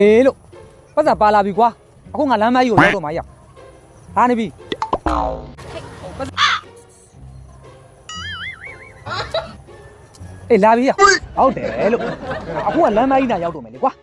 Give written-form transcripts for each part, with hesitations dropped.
လို့ပတ်စံပါလာပြီကွာအခုငါလမ်းမကြီးကိုရောက်တော့မှရဟာနေပြီအေးလာပြီရဟုတ်တယ်လို့အခုကလမ်းမကြီးနာရောက်တော့မယ်လေကွာ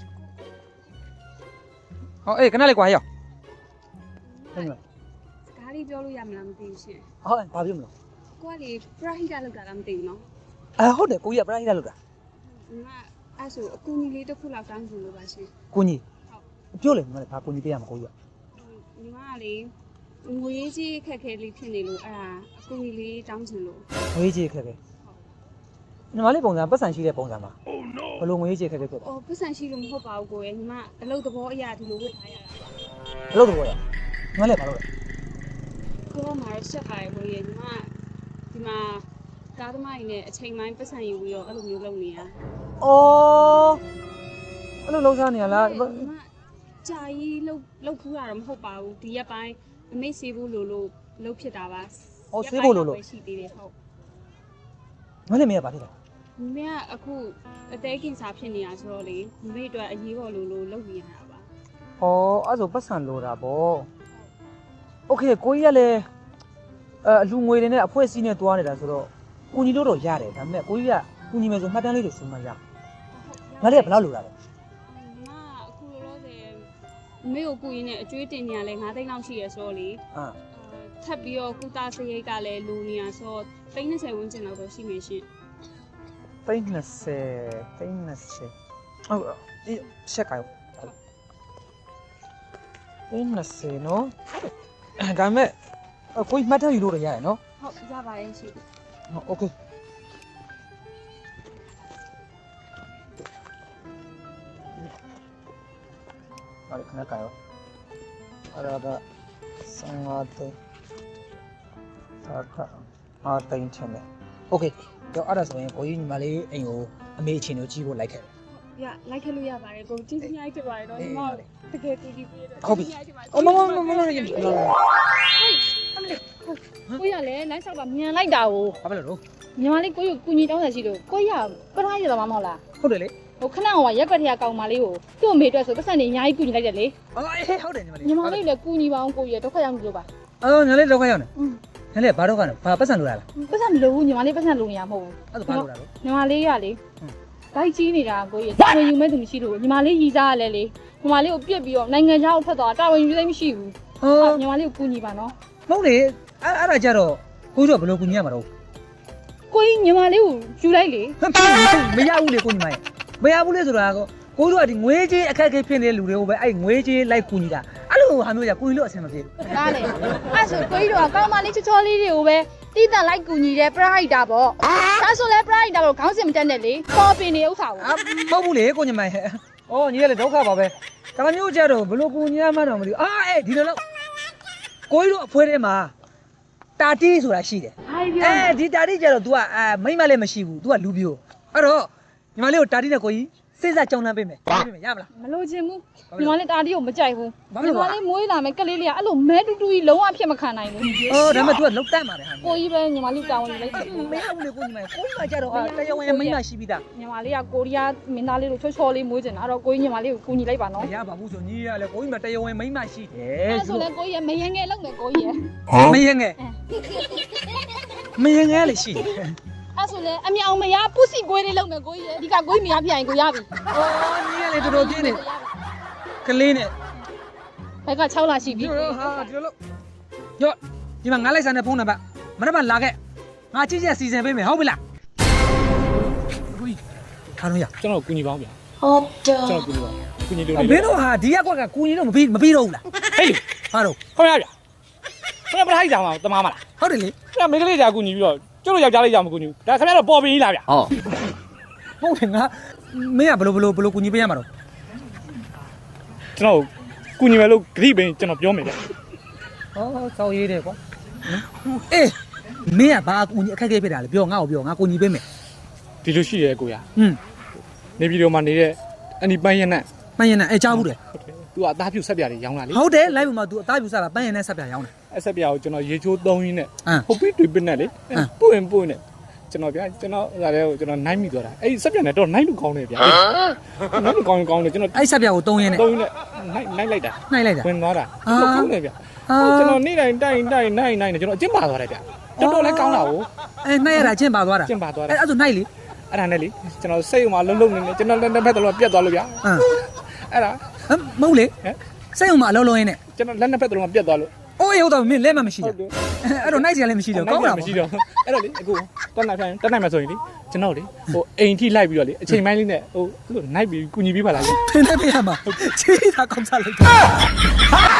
ဟောအေးခဏလေးကွာရောက်ဟုတ်လားကားလေးပြောလို့ရမလားမသိဘူးရှင်ဟုတ်ဘာပြောမလို့ကိုကလေပရဟိတလောက်တာလားမသိဘူးနော်ဟုတ်တယ်ကိုကြီးကပရိုက်တာလို့တာဒီမှာအဲ့ဆိုအကူကြီးလေးတစ်ခုလောက်တောင်းချင်လို့ပါရှင်ကိုကြီးပြောလေမလဲဘာကိုကြီးပေးရမှာကိုကြီးကဒီမှာလေငွေရေးကြီးခက်ခဲလေးဖြစ်နေလို့အဲ့ဒါအကူကြီးလေးတောင်းချင်လို့ငွေကြီးခက်ခဲညီမလေးပုံစံပတ်စံရှိတဲ့ပုံစံမှာဘယ်လိုငွေကြီးခက်ခဲဖြစ်သွားပတ်စံရှိလို့မဟုတ်ပါဘူးကိုရဲ့ညီမအလုပ်သဘောအရာဒီလိုဝတ်ထားရတာပါဘယ်လိုတော့ရညီမလေးဘာလို့လဲကိုကမှာဆက်ပါရဲ့ကိုရဲ့ညီမဒီမှာကားသမားကြီးနဲ့အချိန်ပိုင်းပတ်စံယူပြီးတော့အဲ့လိုမျိုးလုပ်နေရအော်အဲ့လိုလုံးစားနေရလားညီမကြာကြီးလုပ်ခူးတာတော့မဟုတ်ပါဘူးဒီရက်ပိုင်းအမိတ်စေးဖို့လို့လုပ်ဖြစ်တာပါရှိသေးတယ်ဟုတ်ညီမလေးမရပါသေးလားမမေကအခုအသေးကင်စာဖြစ်နေတာဆိုတော့လေမမေအတွက်အရေးပေါ်လို့လုပ်နေရတာပါအော်အဲ့ဆိုပတ်စံလိုတာပေါ့โอเคကိုကြီးကလည်းအလူငွေတွေနဲ့အဖွဲစည်းနဲ့တွားနေတာဆိုတော့ကိုကြီးတို့တော့ရတယ်ဒါပေမဲ့ကိုကြီးကကိုကြီးမယ်ဆိုမှတ်တမ်းလေးတွေစုမှရငါလေးကဘယ်လောက်လိုတာလဲမအခုလောလောဆယ်မမေကိုကူရင်းနဲ့အကျွေးတင်နေရလဲ9သိန်းလောက်ရှိရဆိုတော့လေထပ်ပြီးတော့ကုသစရိတ်ကလည်းလူနေရဆိုတော့30ဝန်းကျင်လောက်တော့ရှိနေရှင် 30ဟုတ်ဒီရှက်ကရော30နော်ဒါပေမဲ့ကိုကြီးမှတ်တမ်းယူလို့ရတယ်နော်ဟုတ်ရပါတယ်ရှင်โอเคအဲ့ဒါခဏကာရောအဲ့ဒါ55သိန်းဒါက5သိန်းချင်တယ်โอเคတော့အဲ့ဒါဆိုရင်ကိုကြီးညီမလေးအိမ်ကိုအမေအချင်းတို့ကြီးဖို့လိုက်ခဲ့တယ်ရလိုက်ခလို့ရပါတယ်ကိုကြီးကြီးရိုက်ဖြစ်ပါတယ်တော့ညီမတကယ်ကူကြီးပေးတော့ဟုတ်ပြီအော်မရရင်ကိုရလည်းလမ်းလျှောက်တာမြန်လိုက်တာကိုဘာဖြစ်လို့ညီမလေးကိုရကူညီတောင်းတယ်ရှိလို့ကိုရပထားရတော့မဟုတ်လားဟုတ်တယ်လေဟိုခဏဟိုရက်ကွက်ထရကောင်မလေးကိုသူ့အမေအတွက်ဆိုပတ်စံနေအများကြီးကူညီလိုက်တယ်လေအော်အေးဟုတ်တယ်ညီမလေးညီမလေးလည်းကူညီပါအောင်ကိုရဒုက္ခရောက်လို့ပါအော်ညီလေးဒုက္ခရောက်နေညီလေးဘာဒုက္ခလဲဘာပတ်စံလိုရလားပတ်စံမလိုဘူးညီမလေးပတ်စံလိုနေရမဟုတ်ဘူးအဲ့ဒါဘာလိုတာလို့ညီမလေးကလေဘိုက်ကြီးနေတာကိုရတာဝန်ယူမဲ့သူမရှိလို့ညီမလေးရီစားရလဲလေညီမလေးကိုပြစ်ပြီးတော့နိုင်ငံခြားကိုထွက်သွားတာဝန်ယူသိမရှိဘူးဟုတ်ညီမလေးကိုကူညီပါနော်မဟုတ်လေအဲ့ဒါကြတော့ကိုတို့ဘယ်လိုကူညီရမှာတော့ကိုကြီးညီမလေးကိုယူလိုက်လေမရဘူးလေကိုညီမရဲ့မရဘူးလေဆိုတာကိုတို့ကဒီငွေကြေးအခက်အခဲဖြစ်နေတဲ့လူတွေကိုပဲအဲ့ငွေကြေးလိုက်ကူညီတာအဲ့လိုဟာမျိုးじゃကိုကြီးလို့အဆင်မပြေဘူးဒါလေအဲ့ဆိုကိုကြီးတို့ကကောင်းမလေးချောချောလေးတွေကိုပဲတိတန်လိုက်ကူညီတဲ့ပရိုက်တာပေါ့ဒါဆိုလဲပရိုက်တာပေါ့ခေါင်းစင်မတက်နဲ့လေပေါ်ပင်နေဥစ္စာကိုမဟုတ်ဘူးလေကိုညီမရဲ့အော်ညီရလေဒုက္ခပါပဲဒါမျိုးကြတော့ဘယ်လိုကူညီရမှန်းတော့မသိဘူးအေးဒီလိုလို့ကိုကြီးတို့အဖွဲထဲမှာတာတီးဆိုတာရှိတယ်ဟိုင်ဗျာဒီတာတီးကြတော့ तू ကမိမလည်းမရှိဘူး तू ကလူပြိုအဲ့တော့ညီမလေးကိုတာတီးနဲ့ကိုကြီးစိတ်ဆက်ကြောင်းလန်းပေးမယ်ပေးမယ်ရမလားမလို့ခြင်းဘူးညီမလေးတာတီကိုမကြိုက်ဘူးဘာဖြစ်ညီလို့မလဲလေးမွေးလာမယ်ကလေးလေးကအဲ့လိုမဲတူတူကြီးလုံးဝဖြစ်မခံနိုင်ဘူးအော်ဒါပေမဲ့ तू ကလောက်တတ်ပါတယ်ဟာကိုကြီးပဲညီမလေးတာဝန်ယူလိုက်တယ်မရဘူးလေကိုညီမကိုညီမကြတော့တရားဝင်မိမရှိပြီးသားညီမလေးကကိုရီးယားမင်းသားလေးလိုချောချောလေးမွေးချင်တာအဲ့တော့ကိုကြီးညီမလေးကိုကူညီလိုက်ပါနော်မရပါဘူးဆိုညီရလေကိုညီမတရားဝင်မိမရှိတယ်အဲ့ဆိုလဲကိုကြီးမယငယ်လောက်မယ်ကိုကြီးရဲ့မရငယ်မရငယ်လေရှိတယ်အဲ့ဆိုလဲအမြောင်မရပုစီကွေးလေးလောက်မယ်ကိုကြီးရဲ့ဒီကကိုကြီးမရပြရင်ကိုရပြီအော်ညီရလေတော်တော်ပြင်းနေကလေးနဲ့ဘက်က6လရှိပြီဟာဒီလိုရော့ဒီမှာငါလိုက်စားတဲ့ဖုန်းနံပါတ်မနေ့ကလာခဲ့ငါချစ်ချက်စီစဉ်ပေးမယ်ဟုတ်ပြီလားကိုကြီးထားလို့ရကျွန်တော်ကူညီပါအောင်ဗျာဟုတ်တယ်ကျွန်တော်ကူညီပါကူညီလို့မင်းတို့ဟာဒီရက်ကွက်ကကူညီတော့မပြီးတော့ဘူးလားဟေးဟာတော့ခေါင်းရဗျာခင်ဗျာပထိုက်ဆောင်မှာတမားမလားဟုတ်တယ်လေခင်ဗျာမိန်းကလေးကြာကူညီပြီးတော့ကျုပ်တို့ယောက်ျားလေးကြာမကူညီဘူးဒါခင်ဗျာတော့ပေါ်ပင်ကြီးလားဗျာဟုတ်တယ်ငါမင်းကဘယ်လိုကူညီပေးရမှာတော့ကျွန်တော်ကူညီမယ်လို့ဂရိပင်ကျွန်တော်ပြောမယ်ဗျာဟောစောက်ရေးတယ်ကွာအေးမင်းကဘာကူညီအခက်အခဲဖြစ်တာလဲပြောငါ့ကိုပြောငါကူညီပေးမယ်ဒီလိုရှိတယ်ကိုရ နေပြည်တော်မှာနေတဲ့အနီပန်းရနက်ပန်းရင်နဲ့ကြားဘူးတယ်သူကအသားပြုတ်ဆက်ပြားတွေရောင်းလာလေဟုတ်တယ်လိုက်ပါမှာ तू အသားပြူစားတာပန်းရင်နဲ့ဆက်ပြရောင်းတယ်အဆက်ပြားကိုကျွန်တော်ရေချိုးသုံးရင်းနဲ့အမ်ဟုတ်ပြီတွေ့ပစ်နဲ့လေပွင့်နဲ့ကျွန်တော်ဗျာကျွန်တော်ဒါလည်းကျွန်တော်နိုင်မိသွားတာအဲ့စက်ပြန်နဲ့တော့နိုင်လူကောင်းတယ်ဗျာနိုင်လူကောင်းတယ်ကျွန်တော်အဲ့ဆက်ပြကို3ရင်းနဲ့ 3နဲ့နိုင်လိုက်တာနိုင်လိုက်တာဝင်သွားတာကောင်းတယ်ဗျာကျွန်တော်နေ့တိုင်းတိုင်းနိုင်ကျွန်တော်အကျင့်ပါသွားတယ်ဗျာတော်လည်းကောင်းတာကိုအဲ့နိုင်ရတာချင်းပါသွားတာကျင့်ပါသွားတာအဲ့ဆိုနိုင်လေအဲ့ဒါနဲ့လေကျွန်တော်စိတ်ဥမှာလုံးနေကျွန်တော်လက်ဖက်တော့ပြတ်သွားလို့ဗျာအဲ့ဒါမဟုတ်လေစိတ်ုံမှာအလုံးလုံးရင်းနဲ့ကျွန်တော်လက်နှစ်ဖက်တော့ပြတ်သွားလို့အိုးဟုတ်တော့မင်းလဲမှမရှိတာအဲ့တော့နိုင်စရာလည်းမရှိတော့ကောင်းတာမရှိတော့အဲ့တော့လေအခုတက်နိုင်မှဆိုရင်လေကျွန်တော်လေဟိုအိမ်ထိလိုက်ပြီးတော့လေအချိန်ပိုင်းလေးနဲ့ဟိုသူ့နိုင်ပြီးကူညီပေးပါလားဖင်းနေပြရမှာချေးတာကောင်းစားလိုက်တာ